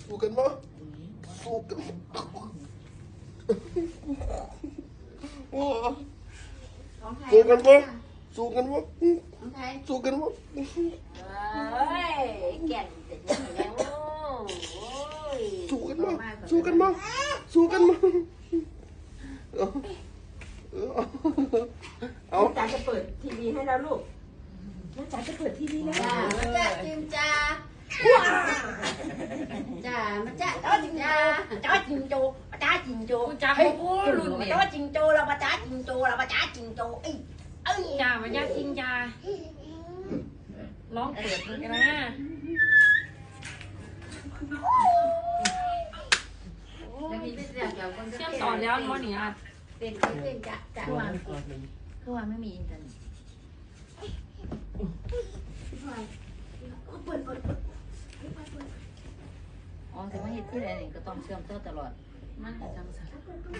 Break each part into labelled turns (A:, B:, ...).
A: สู้กันมั้ยสู้กันโอ้สู้กันมั้ยสู้กันมั้ยสู้กันมั้ย
B: เฮ้ยแก่นจะยังไงโอ้ย
A: สู้กันมั้ยสู้กันมั้ยสู้กันมั้ยเอา
C: จ๋าจะเปิดทีวีให้แล้วลูกแล้วจ๋าจะเปิดทีวีแล้ว
B: จ้าจิมจ้าจ้ามาจ้าจ้าจิมจ้าจ้าจิมโจจ้าจิมโจจ้าโอ้รุ่นเนี่ยจ้าจิมโจเรามาจ้าจิมโจเรามาจ้าจิมโจเอ้ยจ้ามาจ้าจิมจ้าร้องเปิดมันกันนะเชื่อมต่อแล้วมั้งเนี่ยเป็นจ้าคือว่าไม่มีอินเทอร์เน็ตอ๋อแต่ว่าเหตุที่ไหนก็ต้องเชื่อมต่อตลอดมันจังสัน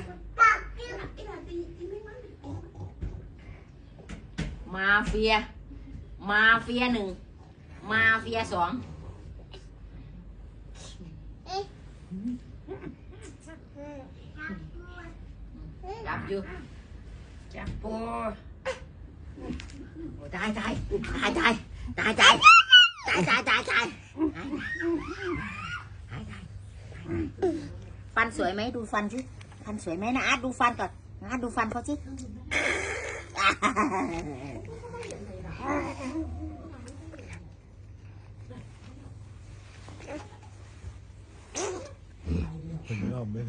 B: มาเฟีย1มาเฟีย2จับอยู่จับปูตายฟันสวยไหมดูฟันสิฟันสวยไหมนะอาร์ตดูฟันก่อนนะอาร์ตดูฟันเขาสิ
A: มันยอมไหม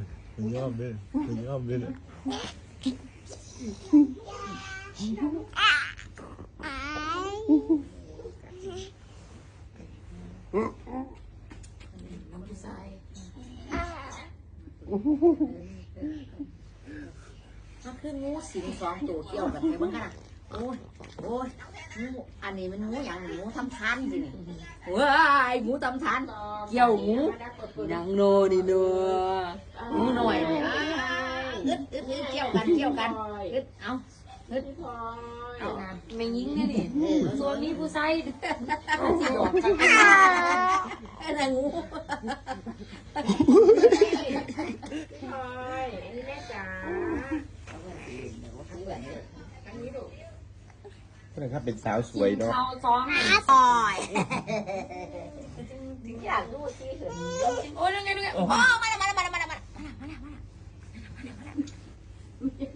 B: มันคืองูสิง2 ตัวเกี่ยวกันไงบ้างกันโอ้ยงูอันนี้มันงูอย่างงูทำทานสิเนี่ยว้ายงูทำทานเกี่ยวงูยังโนนี่เนอะงูหน่อยเนี่ยอึดเกี่ยวกันอึดเอาไม่ยิงเนี่ยนี่ส่วนนี้ผู้ใส่สิบอกกันไอ้นางงู
A: นะครับเป็นสาวสวยเนาะ
B: ถึงอยากดูสิเห็นโอ้ยยังไงโอ้มา